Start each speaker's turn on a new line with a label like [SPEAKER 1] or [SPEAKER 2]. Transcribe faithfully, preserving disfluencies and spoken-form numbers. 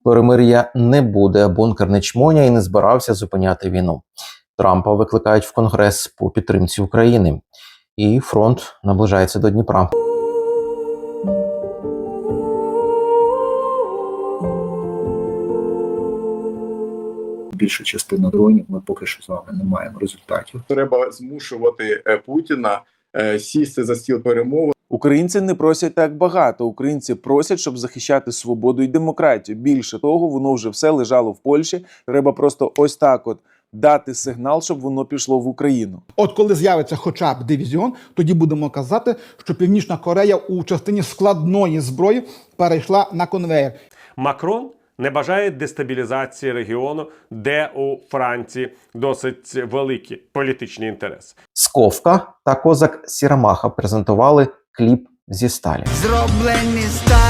[SPEAKER 1] перемир'я не буде, бункер не чмоня і не збирався зупиняти війну. Трампа викликають в Конгрес по підтримці України. І фронт наближається до Дніпра.
[SPEAKER 2] Більша частина дронів ми поки що з вами не маємо результатів.
[SPEAKER 3] Треба змушувати Путіна сісти за стіл перемовин.
[SPEAKER 4] Українці не просять так багато. Українці просять, щоб захищати свободу і демократію. Більше того, воно вже все лежало в Польщі. Треба просто ось так от дати сигнал, щоб воно пішло в Україну.
[SPEAKER 5] От коли з'явиться хоча б дивізіон, тоді будемо казати, що Північна Корея у частині складної зброї перейшла на конвеєр.
[SPEAKER 6] Макрон не бажає дестабілізації регіону, де у Франції досить великі політичні інтереси.
[SPEAKER 1] Сковка та козак Сірамаха презентували кліп зі сталі.
[SPEAKER 7] Зроблені сталі.